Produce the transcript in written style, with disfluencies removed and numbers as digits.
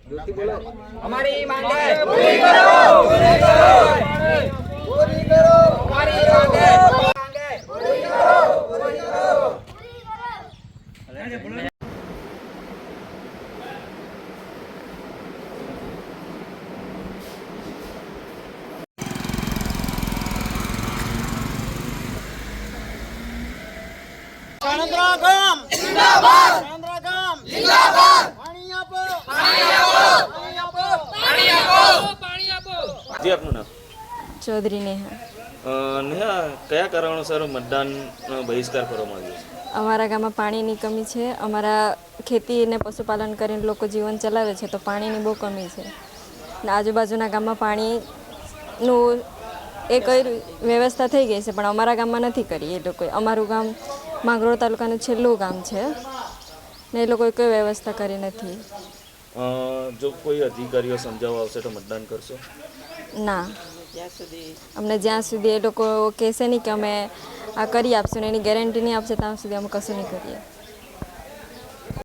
हमारी मांगे पूरी करो, पूरी करो, पूरी करो, हमारी मांगे पूरी करो, पूरी करो। કાણંદરા ગામ જિંદાબાદ, કાણંદરા ગામ જિંદાબાદ, પાણી આપો, પાણી આપો, પાણી આપો, પાણી આપો, પાણી આપો। જી આપનું નામ? ચૌધરી નેહા। નેહા, કયા કારણોસર મતદાન બહિષ્કાર કરવામાં આવ્યો છે? અમારા ગામમાં પાણીની કમી છે। અમારા ખેતી અને પશુપાલન કરીને લોકો જીવન ચલાવે છે, તો પાણીની બહુ કમી છે ને આજુબાજુના ગામમાં પાણીનું એ કઈ વ્યવસ્થા થઈ ગઈ છે, પણ અમારા ગામમાં નથી કરી એ લોકોએ। અમારું ગામ માંગરોળ તાલુકાનું છેલ્લું ગામ છે ને એ લોકોએ કોઈ વ્યવસ્થા કરી નથી। જો કોઈ અધિકારીઓ સમજાવવા આવશે તો મતદાન કરશો? ના, અમને જ્યાં સુધી એ લોકો કહેશે નહીં કે અમે આ કરી આપશું ને એની ગેરંટી નહીં આપશે ત્યાં સુધી અમે કશું નહીં કરીએ।